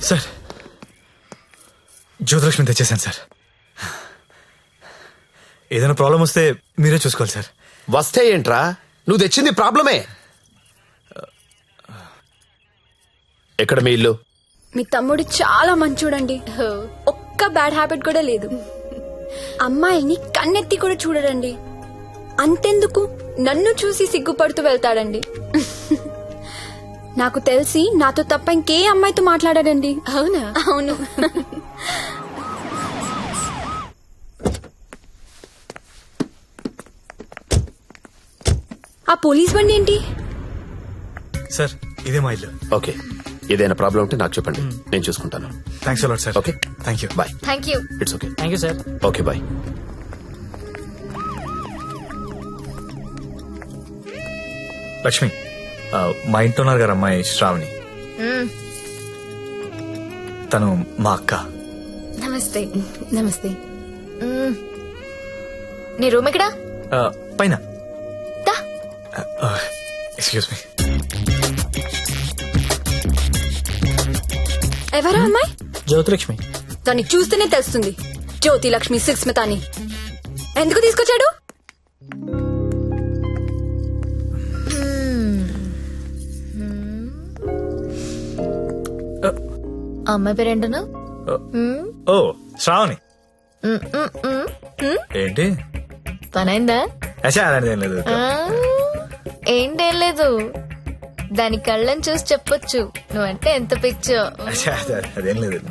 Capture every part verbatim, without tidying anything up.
Sir Jyothilakshmi తెచ్చేసాను sir. ఏదైనా problem వస్తే మీరే చూసుకోవాలి సార్. వస్తే ఏంట్రా, నువ్వు తెచ్చింది ప్రాబ్లమే. ఎక్కడ మీ ఇల్లు? మీ తమ్ముడు చాలా మంచోడండి. ఒక్క బ్యాడ్ హ్యాబిట్ కూడా లేదు. అమ్మాయిని కన్నెత్తి కూడా చూడడండి. అంతెందుకు నన్ను చూసి సిగ్గుపడుతూ వెళ్తాడండి. నాకు తెలిసి నాతో తప్ప ఇంకే అమ్మాయితో మాట్లాడాడండి. అవునా? అవును. ఆ పోలీస్ బండి ఏంటి? సార్ ఇదే మా ఇల్లు. ఓకే, ఏదైనా ప్రాబ్లం ఉంటే నాకు చెప్పండి, నేను చూసుకుంటాను. Thanks a lot sir. Okay, thank you. Bye. Thank you. It's okay. Thank you sir. Okay, bye. Lakshmi, ఆ, మా ఇంట్లో ఉన్నారు గారు అమ్మాయి శ్రావణి. తను మా అక్క. నమస్తే. నమస్తే. మ్మ్. నీ రూమ్ ఎక్కడా? ఆ, పైన. దా. Excuse me. ఎవరా అమ్మాయి? జ్యోతిలక్ష్మి. దాన్ని చూస్తేనే తెలుస్తుంది జ్యోతి లక్ష్మి సుస్మిత అని. ఎందుకు తీసుకొచ్చాడు? అమ్మాయి పేరేంటను? ఓ శ్రావణి. ఏంటి పనైందా? అచ్చా అలాంటిది ఏం లేదు. ఏంటేం లేదు, దాని కళ్ళని చూసి చెప్పొచ్చు నువ్వంటే ఎంత పిచ్చో. అచ్చా అదేం లేదు.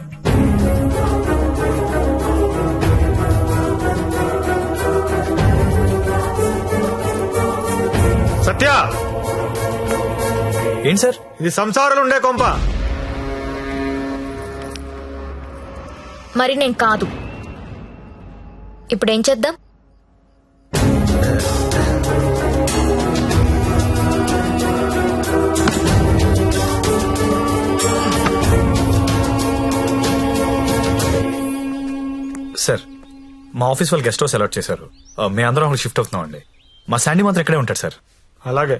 సత్య, ఏంటి సార్? ఇది సంసారాలు ఉండే కొంప. మరి నేను కాదు. ఇప్పుడేం చేద్దాం? సార్ మా ఆఫీస్ వాళ్ళు గెస్ట్ హౌస్ అలాట్ చేశారు. ఆ, మేము అందరం అక్కడ షిఫ్ట్ అవుతున్నాం అండి. మా శాండీ మాత్రం ఇక్కడే ఉంటాడు సార్. అలాగే.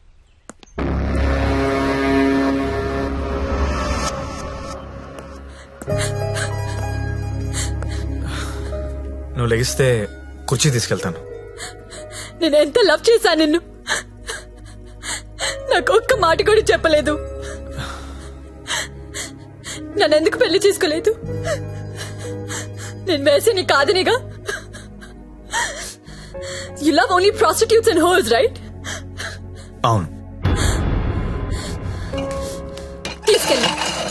నువ్వు లెగిస్తే కుర్చీ తీసుకెళ్తాను. నేను ఎంత లవ్ చేశాను నిన్ను. నాకు ఒక్క మాట కూడా చెప్పలేదు. నన్ను ఎందుకు పెళ్లి చేసుకోలేదు? నేను వేసే నీ కాదనిగా. You love only prostitutes and whores, right? అవును. తీసుకెళ్ళి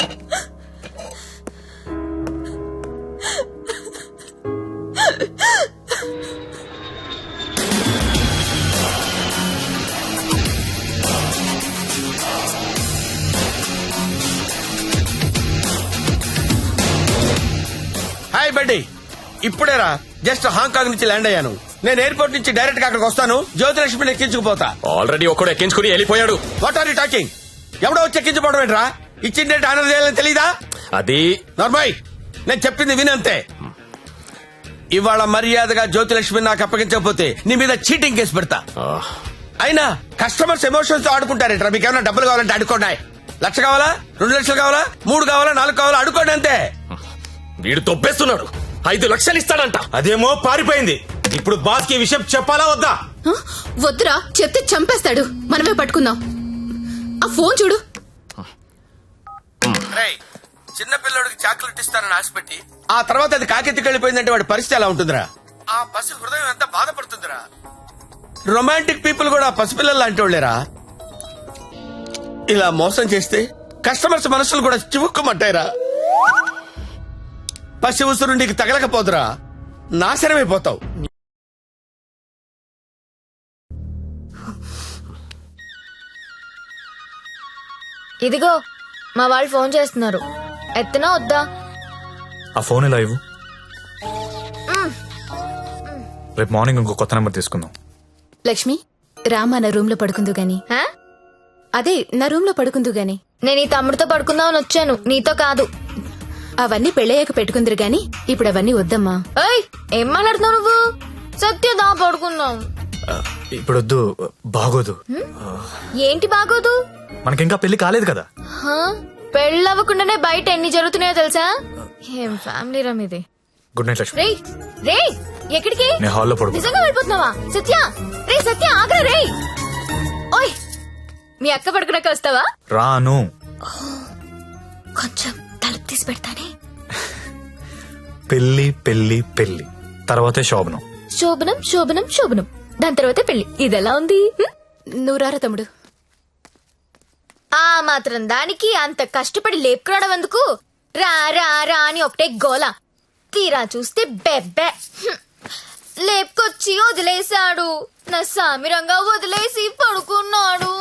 హాయ్ బడ్డీ, ఇప్పుడేరా జస్ట్ హాంకాంగ్ నుంచి ల్యాండ్ అయ్యాను. నేను ఎయిర్పోర్ట్ నుంచి డైరెక్ట్ గా అక్కడికి వస్తాను. జ్యోతిలక్ష్మిని ఎక్కించుకుపోతా. ఆల్రెడీ ఒక్కడు ఎక్కించుకుని వెళ్ళిపోయాడు. What are you talking? ఎవడో వచ్చి ఎక్కించుకోవడం ఏంట్రా? ఇచ్చిన డేట్ ఆనర్ చేయాలని తెలీదా? అది నార్మల్, నేను చెప్పింది వినంతే. ఇవాళ మర్యాదగా జ్యోతిలక్ష్మిని నాకు అప్పగించకపోతే నీ మీద చీటింగ్ కేసు పెడతా. అయినా కస్టమర్స్ ఎమోషన్స్ తో ఆడుకుంటారేంట్రా? మీకు ఏమైనా డబ్బులు కావాలంటే అడుకోండి. లక్ష కావాలా, రెండు లక్షలు కావాలా, మూడు కావాలా, నాలుగు కావాలా, అడుకోండి అంతే. వీడు తొప్పేస్తున్నాడు. ఐదు లక్షలు ఇస్తాడంట. అదేమో పారిపోయింది. ఇప్పుడు బాస్ కి విషయం చెప్పాలా వద్దా? వద్దురా, చెప్తే చంపేస్తాడు. మనమే పట్టుకుందాం. ఆ ఫోన్ చూడు. రేయ్, చిన్న పిల్లడికి చాక్లెట్ ఇస్తానని ఆశపెట్టి ఆ తర్వాత అది కాకెత్తికి వెళ్ళిపోయిందంటే వాడి పరిస్థితి ఎలా ఉంటుందిరా? ఆ పసి హృదయం ఎంత బాధపడుతుందిరా? రొమాంటిక్ పీపుల్ కూడా పసిపిల్లలు లాంటి వాళ్ళేరా. ఇలా మోసం చేస్తే కస్టమర్స్ మనసులు కూడా చివుక్కుమంటాయిరా. పసి ఉసురు నీకు తగలకపోదురా, నాశనమైపోతావు. ఇదిగో మా వాళ్ళు ఫోన్ చేస్తున్నారు. ఎత్తనా వద్దా? ఆ ఫోన్ ఇలా ఇవ్వు. రేపు మార్నింగ్ ఇంకో కొత్త నెంబర్ తీసుకుందాం. లక్ష్మి, రామా నా రూమ్ లో పడుకుందు గాని. హా? అదే నా రూమ్ లో పడుకుందు గాని. నేను ఈ తమ్ముడితో పడుకుందామని వచ్చాను, నీతో కాదు. అవన్నీ పెళ్ళయ్యాక పెట్టుకుందరు గాని ఇప్పుడు అవన్నీ వద్దమ్మా. ఏయ్, ఏం మాట్లాడుతున్నావు నువ్వు? సత్యదా పడుకుందాం. ఆ, ఇప్పుడు వద్దు, బాగోదు. ఏంటి బాగోదు? మనకింకా పెళ్లి కాలేదు కదా. హా? పెళ్ళవ్వకుండానే బయట ఎన్ని జరుగుతున్నాయో తెలుసా? ఏం ఫ్యామిలీ రమ్ ఇది. Good night Lakshmi. రేయ్ రేయ్ ఎక్కడికి? నేను హాల్లో పడుకో. నిజంగా వెళ్ళిపోతున్నావా? సత్య రే సత్య ఆగ్రా రేయ్. ఓయ్ మీ అక్క పడుకున్నాక వస్తావా? రాను. కొంచెం తలుపు తీసి పెడతానే. పెళ్లి పెళ్లి పెళ్లి తర్వాతే శోభనం. శోభనం శోభనం శోభనం దాని తర్వాత పెళ్లి. ఇదెలా ఉంది? హ్మ్? నువ్వు రారా తమ్ముడు. ఆ మాత్రం దానికి అంత కష్టపడి లేపుకురావడం ఎందుకు? రా రా రా అని ఒకటే గోల. తీరా చూస్తే బెబ్బె. హ్మ్. లేపుకొచ్చి వదిలేశాడు. నా సామిరంగా వదిలేసి పడుకున్నాడు.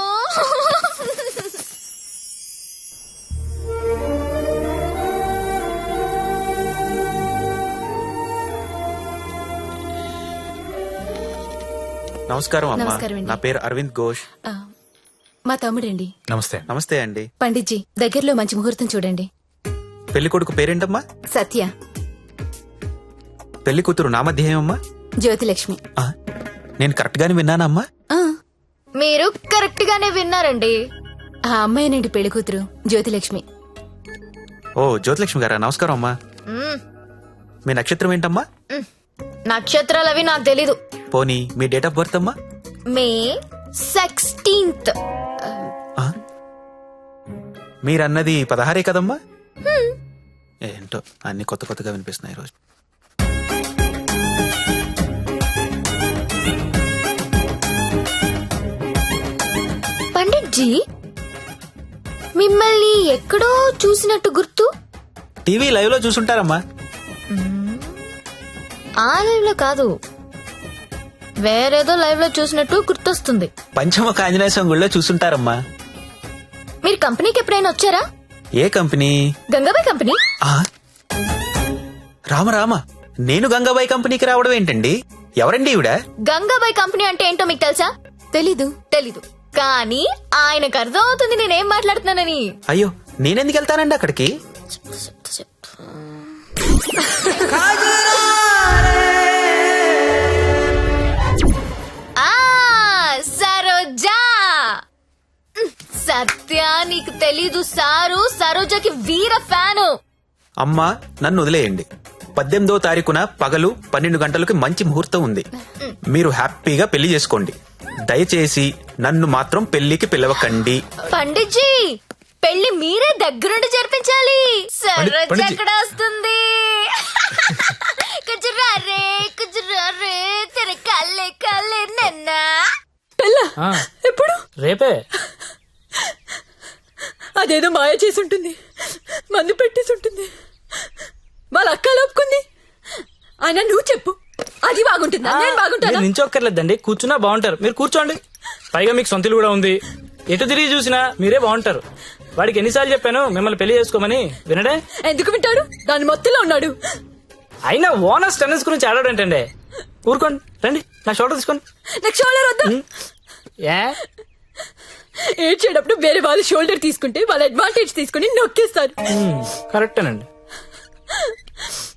నమస్కారం అమ్మా. నమస్కారం అండి. నా పేరు అరవింద్ ఘోష్. ఆ, మా తమ్ముడండి. నమస్తే. నమస్తే అండి. పండిట్జీ దగ్గరలో మంచి ముహూర్తం చూడండి. పెళ్లి కొడుకు పేరేంటమ్మా? సత్య. పెళ్లి కూతురు నామధ్యేయమ్మా? జ్యోతిలక్ష్మి. ఆ, నేను కరెక్ట్ గానే విన్నానమ్మా? ఆ, మీరు కరెక్ట్ గానే విన్నారండి. ఆ అమ్మాయినండి పెళ్లి కూతురు జ్యోతిలక్ష్మి. ఓ జ్యోతిలక్ష్మి గారా, నమస్కారం అమ్మా. మ్మ్. మీ నక్షత్రం ఏంటమ్మా? నక్షత్రాలు అవి నాకు తెలీదు. పోనీ మీ డేట్ ఆఫ్ బర్త్ అమ్మా? May sixteenth. ఆ? మీరన్నది పదహారే కదమ్మా? ఏంటో అన్ని కొత్త కొత్తగా వినిపిస్తున్నాయి ఈరోజు. పండిట్ జీ మిమ్మల్ని ఎక్కడో చూసినట్టు గుర్తు. టీవీ లైవ్ లో చూసుంటారమ్మా. ఆ లైవ్ లో కాదు, వేరేదో లైవ్ లో చూసినట్టు గుర్తొస్తుంది. పంచముఖ ఆంజనేయ స్వామి గుళ్ళో చూసుంటారమ్మా. మీరు కంపెనీకి ఎప్పుడైనా వచ్చారా? ఏ కంపెనీ? గంగాబాయ్ కంపెనీ. ఆ? రామ రామ, నేను గంగాబాయి కంపెనీకి రావడం ఏంటండి? ఎవరండి ఈవిడ? గంగాబాయ్ కంపెనీ అంటే ఏంటో మీకు తెలుసా? తెలీదు. తెలీదు, కానీ ఆయనకు అర్థం అవుతుంది నేనేం మాట్లాడుతున్నానని. అయ్యో, నేనెందుకు వెళ్తానండి అక్కడికి? ఆ సరోజా. సత్య నీకు తెలీదు, సారు సరోజకి వీర ఫ్యాను. అమ్మా, నన్ను వదిలేయండి. పద్దెనిమిదో తారీఖున పగలు పన్నెండు గంటలకు మంచి ముహూర్తం ఉంది. మీరు హ్యాపీగా పెళ్లి చేసుకోండి. దయచేసి నన్ను మాత్రం పెళ్లికి పిలవకండి. పండిట్ జీ పెళ్లి మీరే దగ్గరుండి జరిపించాలి. సరోజ పండిట్ జీ. ఎక్కడ వస్తుంది? కుజురా రే కుజురా రే తెర కల్లే కల్లే నన్న. ఎప్పుడు రేపే. అదేదో మాయ చేసి ఉంటుంది, మందు పెట్టేసి ఉంటుంది, వాళ్ళ అక్క లోపుకుంది. ఆయన నువ్వు చెప్పు, అది బాగుంటుందా నేను బాగుంటానా? మీరు నించొక్కర్లేదండి, కూర్చున్నా బాగుంటారు. మీరు కూర్చోండి. పైగా మీకు సొంత ఇల్లు కూడా ఉంది. ఎటు తిరిగి చూసినా మీరే బాగుంటారు. వాడికి ఎన్నిసార్లు చెప్పాను మిమ్మల్ని పెళ్లి చేసుకోమని, వినడే? ఎందుకు వింటాడు? దాని మొత్తంలో ఉన్నాడు. అయినా ఓనర్స్ టెన్నిస్ గురించి ఆడాడంటండి. ఊరుకోండి, రండి నా షోల్డర్ తీసుకోండి. నాకు షోల్డర్ వద్దా? ఏ ఏడ్చేటప్పుడు వేరే వాళ్ళ షోల్డర్ తీసుకుంటే వాళ్ళ అడ్వాంటేజ్ తీసుకుని నొక్కేస్తారు. కరెక్టేనండి.